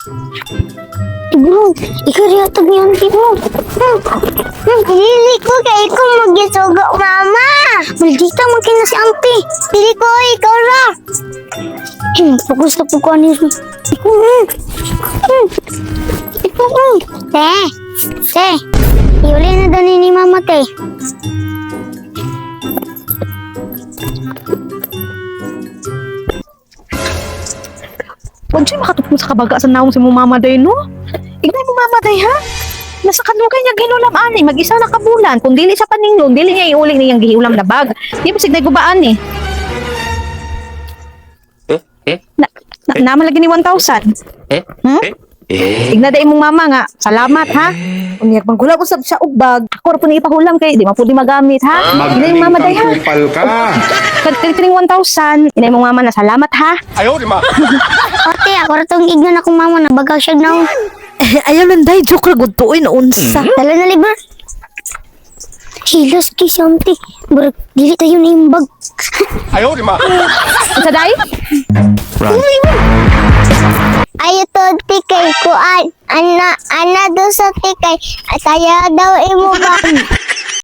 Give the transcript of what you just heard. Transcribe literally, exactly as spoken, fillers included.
Bro, ikaw riyatag ni auntie mo. Hmm, Dili ko kay ikaw mag-isugo, mama. Maldita mo kina si auntie. Dili ko, ikaw ra. Hmm, fokus na po ko anis mo. Ikaw, hmm. Hmm. Ikaw, hmm. Te, te. Iuli na daw ni mama, te. Huwag siya makatupong sa kabaga sa naong si mo mamaday, no? Ignay mo mamaday, ha? Nasa kanugay niya ginulam ani, mag-isa na kabulan. Kung dili sa paninglong, dili niya iuling niyang gihiulam na bag. Di ba signay gubaan, eh? Eh? Eh? Na, na, naman lagi ni one thousand. Eh? Hmm? Eh? Igna day mong mama nga. Salamat, ha? Umiyak manggula ko sa, sa ugbag. Ako ra po ni ipahulam kay, di mapuli magamit, ha? Igna yung mama day, ha? Kupal ka. Katiring one thousand. Igna yung mama na salamat, ha? Ayaw, di ma! Ote, ako ra tong ignan akong mama na bagaw siya na. Ayaw lang day, joke ra gud tuoy na unsa. Dala na liber. Hilos kay si auntie. Burag, dili tayo na yung bag. Ayaw, di ma! Unsa day? Ayo to tikay ko an ana ana do sa tikay. Saya daw imo bag.